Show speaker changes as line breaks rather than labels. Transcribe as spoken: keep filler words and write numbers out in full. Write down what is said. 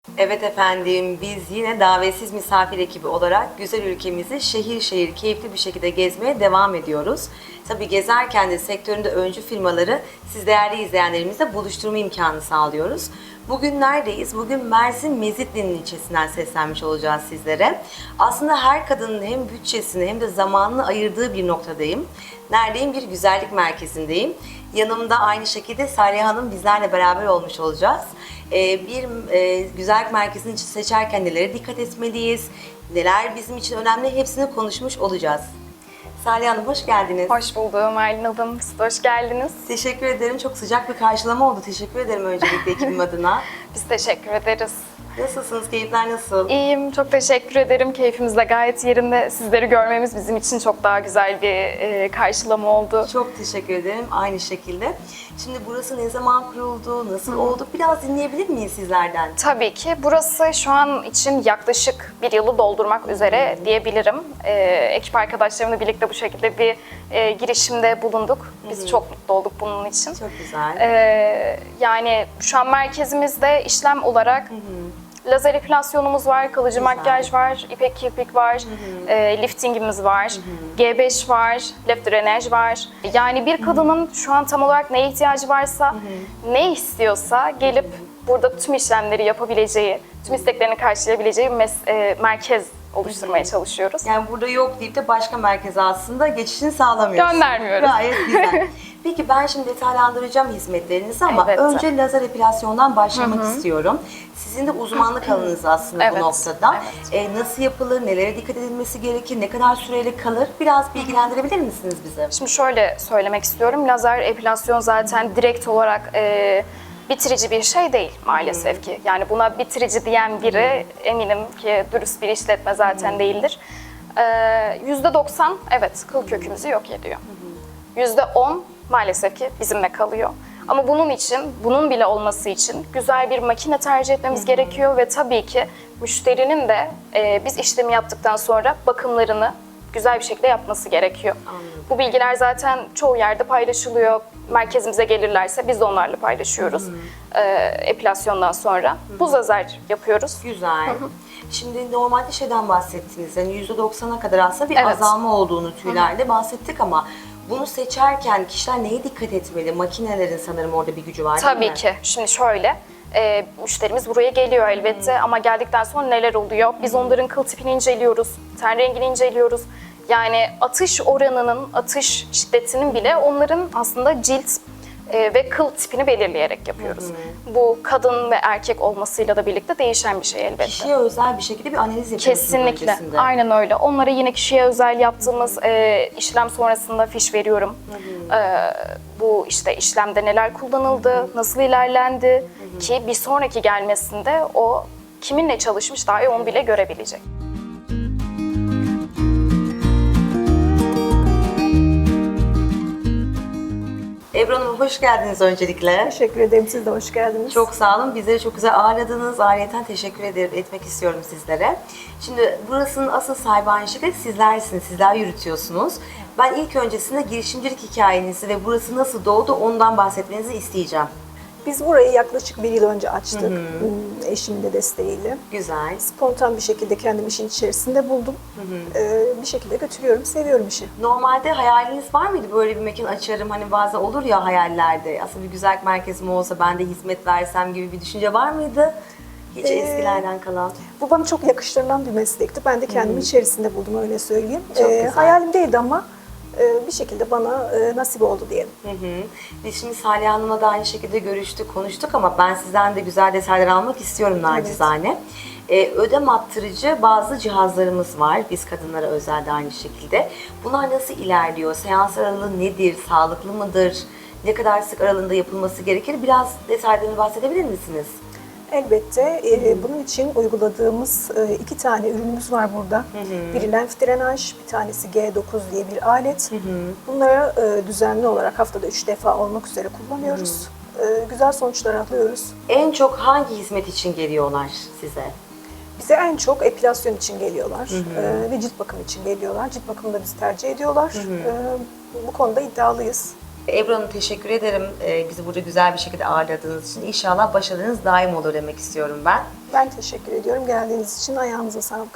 Evet efendim, biz yine davetsiz misafir ekibi olarak güzel ülkemizi şehir şehir keyifli bir şekilde gezmeye devam ediyoruz. Tabii gezerken de sektöründe öncü firmaları siz değerli izleyenlerimizle buluşturma imkanı sağlıyoruz. Bugün neredeyiz? Bugün Mersin Mezitli'nin ilçesinden seslenmiş olacağız sizlere. Aslında her kadının hem bütçesini hem de zamanını ayırdığı bir noktadayım. Neredeyim? Bir güzellik merkezindeyim. Yanımda aynı şekilde Salih Hanım bizlerle beraber olmuş olacağız. Ee, bir e, güzellik merkezini seçerken nelere dikkat etmeliyiz, neler bizim için önemli hepsini konuşmuş olacağız. Salih Hanım hoş geldiniz.
Hoş buldum Aylin Hanım. Siz de hoş geldiniz.
Teşekkür ederim. Çok sıcak bir karşılama oldu. Teşekkür ederim öncelikle ekibim adına.
Biz teşekkür ederiz.
Nasılsınız? Keyifler nasıl?
İyiyim, çok teşekkür ederim. Keyfimiz de gayet yerinde. Sizleri görmemiz bizim için çok daha güzel bir e, karşılama oldu.
Çok teşekkür ederim. Aynı şekilde. Şimdi burası ne zaman kuruldu, nasıl oldu? Biraz dinleyebilir miyiz sizlerden?
Tabii ki. Burası şu an için yaklaşık bir yılı doldurmak üzere diyebilirim. E, ekip arkadaşlarımla birlikte bu şekilde bir e, girişimde bulunduk. Biz çok mutlu olduk bunun için.
Çok güzel.
E, yani şu an merkezimizde işlem olarak lazer epilasyonumuz var, kalıcı
Güzel.
makyaj var, ipek kirpik var, e, liftingimiz var, G beş var, lef drenaj var. Yani bir kadının şu an tam olarak neye ihtiyacı varsa, ne istiyorsa gelip burada tüm işlemleri yapabileceği, tüm isteklerini karşılayabileceği bir mes- e, merkez oluşturmaya çalışıyoruz.
Yani burada yok deyip de başka merkeze aslında geçişini sağlamıyoruz.
Göndermiyoruz.
Gayet güzel. Peki ben şimdi detaylandıracağım hizmetlerinizi ama
Elbette.
önce lazer epilasyondan başlamak istiyorum. Sizin de uzmanlık alanınız aslında
Evet,
bu noktada.
evet.
Ee, nasıl yapılır, nelere dikkat edilmesi gerekir, ne kadar süreyle kalır? Biraz bilgilendirebilir misiniz bize?
Şimdi şöyle söylemek istiyorum, lazer epilasyon zaten direkt olarak e, bitirici bir şey değil maalesef ki. Yani buna bitirici diyen biri eminim ki dürüst bir işletme zaten değildir. yüzde doksan evet kıl kökümüzü yok ediyor. yüzde on maalesef ki bizimle kalıyor. Ama bunun için, bunun bile olması için güzel bir makine tercih etmemiz gerekiyor ve tabii ki müşterinin de e, biz işlemi yaptıktan sonra bakımlarını güzel bir şekilde yapması gerekiyor.
Anladım.
Bu bilgiler zaten çoğu yerde paylaşılıyor. Merkezimize gelirlerse biz de onlarla paylaşıyoruz. E, epilasyondan sonra. Buz lazer yapıyoruz.
Güzel. Şimdi normalde şeyden bahsettiniz. Yani yüzde doksana kadar aslında bir
Evet.
azalma olduğunu tüylerde bahsettik ama bunu seçerken kişiler neye dikkat etmeli? Makinelerin sanırım orada bir gücü var değil mi?
Tabii ki. Şimdi şöyle, e, müşterimiz buraya geliyor elbette ama geldikten sonra neler oluyor? Biz onların kıl tipini inceliyoruz, ten rengini inceliyoruz. Yani atış oranının, atış şiddetinin bile onların aslında cilt e, ve kıl tipini belirleyerek yapıyoruz. Bu kadın ve erkek olmasıyla da birlikte değişen bir şey elbette.
Kişiye özel bir şekilde bir analiz yapıyorsunuz
Kesinlikle.
öncesinde.
Aynen öyle. Onlara yine kişiye özel yaptığımız e, işlem sonrasında fiş veriyorum. E, bu işte işlemde neler kullanıldı, nasıl ilerlendi ki bir sonraki gelmesinde o kiminle çalışmış dahi onu bile görebilecek.
Ebru Hanım hoş geldiniz öncelikle.
Teşekkür ederim. Siz de hoş geldiniz.
Çok sağ olun. Bizleri çok güzel ağırladınız. Ayrıyeten teşekkür ederim, etmek istiyorum sizlere. Şimdi burasının asıl sahibi aynı şekilde sizlersiniz. Sizler yürütüyorsunuz. Ben ilk öncesinde girişimcilik hikayenizi ve burası nasıl doğdu ondan bahsetmenizi isteyeceğim.
Biz burayı yaklaşık bir yıl önce açtık. Hmm, Eşimin de desteğiyle.
Güzel.
Spontan bir şekilde kendimi işin içerisinde buldum. Ee, bir şekilde götürüyorum. Seviyorum işi.
Normalde hayaliniz var mıydı böyle bir mekan açarım hani bazen olur ya hayallerde aslında bir güzellik merkezim olsa ben de hizmet versem gibi bir düşünce var mıydı? Hiç
Ee,
eskilerden kalan.
Bu bana çok yakıştırılan bir meslekti. Ben de kendimi içerisinde buldum öyle söyleyeyim.
Çok
Ee,
güzel.
hayalim değildi ama e, bir şekilde bana e, nasip oldu diyelim.
Hı hı. Biz şimdi Salih Hanım'la da aynı şekilde görüştük, konuştuk ama ben sizden de güzel detaylar almak istiyorum nacizane. Ee, ödem attırıcı bazı cihazlarımız var. Biz kadınlara özel de aynı şekilde. Bunlar nasıl ilerliyor? Seans aralığı nedir? Sağlıklı mıdır? Ne kadar sık aralığında yapılması gerekir? Biraz detaylarını bahsedebilir misiniz?
Elbette. E, bunun için uyguladığımız e, iki tane ürünümüz var burada. Biri lenf drenaj, bir tanesi G dokuz diye bir alet. Bunları e, düzenli olarak haftada üç defa olmak üzere kullanıyoruz. E, güzel sonuçlar alıyoruz.
En çok hangi hizmet için geliyorlar size?
Bize en çok epilasyon için geliyorlar e, ve cilt bakımı için geliyorlar. Cilt bakımını da bizi tercih ediyorlar. E, bu konuda iddialıyız.
Ebru Hanım teşekkür ederim e, bizi burada güzel bir şekilde ağırladığınız için. İnşallah başarınız daim olur demek istiyorum ben.
Ben teşekkür ediyorum geldiğiniz için. Ayağınıza sağlık.